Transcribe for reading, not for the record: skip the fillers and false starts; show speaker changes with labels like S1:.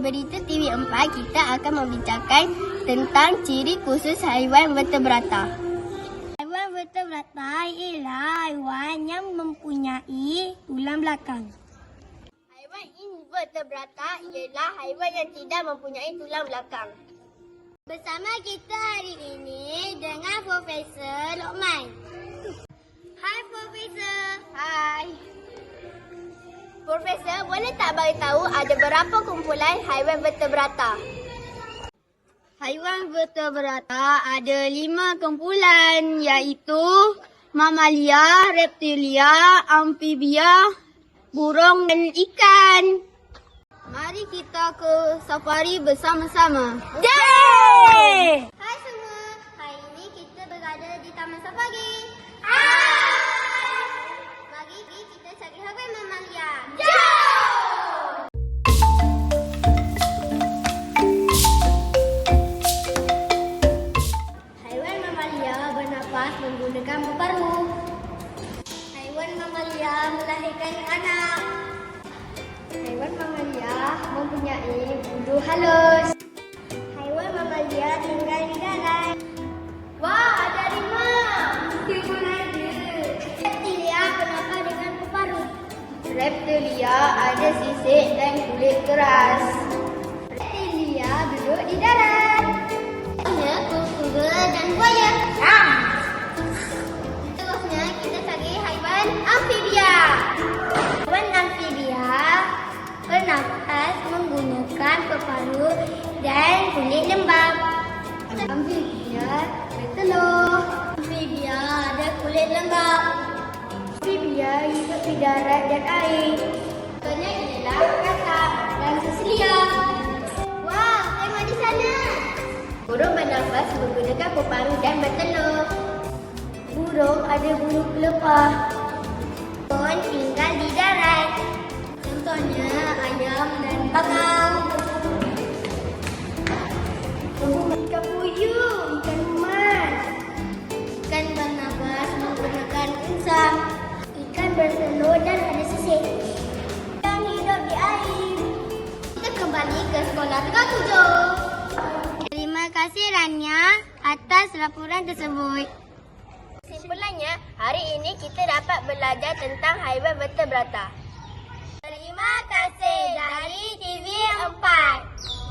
S1: berita TV4, kita akan membincangkan tentang ciri khusus haiwan vertebrata. Haiwan vertebrata ialah haiwan yang mempunyai tulang belakang. Haiwan invertebrata ialah haiwan yang tidak mempunyai tulang belakang. Bersama kita hari ini dengan Profesor Lokman. Hai Profesor. Hai. Profesor, boleh tak bagi tahu ada berapa kumpulan haiwan vertebrata? Haiwan vertebrata ada 5 kumpulan, iaitu mamalia, reptilia, amfibia, burung dan ikan. Mari kita ke safari bersama-sama. Yeay! Hai semua, hari ini kita berada di Taman Safari. Mari kita cari haiwan mamalia. Haiwan mamalia bernafas menggunakan paru. Haiwan mamalia melahirkan anak. Haiwan mamalia mempunyai bulu halus. Haiwan mamalia tinggal di darat. Wah, ada harimau. Mesti pun ada. Reptilia bernafas dengan paru. Reptilia ada sisik dan kulit keras. Reptilia duduk di darat. Ada kura-kura dan buaya. Terusnya kita cari haiwan amfibia. Haiwan amfibia bernafas menggunakan paru dan kulit lembab. Amfibia bertelur. Amfibia ada kulit lembab. Amfibia hidup di darat dan air. Contohnya ialah kakap dan sesilia. Wah, tengok di sana. Burung bernafas menggunakan paru dan bertelur. Burung ada bulu pelepah. Burung tinggal di darat. Contohnya ayam dan bangau. Ikan puyuh, ikan emas. Ikan bernafas menggunakan insang. Ikan bertelur dan ada sisik. Yang hidup di air. Kita kembali ke sekolah Tegal 7. Terima kasih Rania atas laporan tersebut. Kesimpulannya, hari ini kita dapat belajar tentang haiwan vertebrata. Terima kasih dari TV4.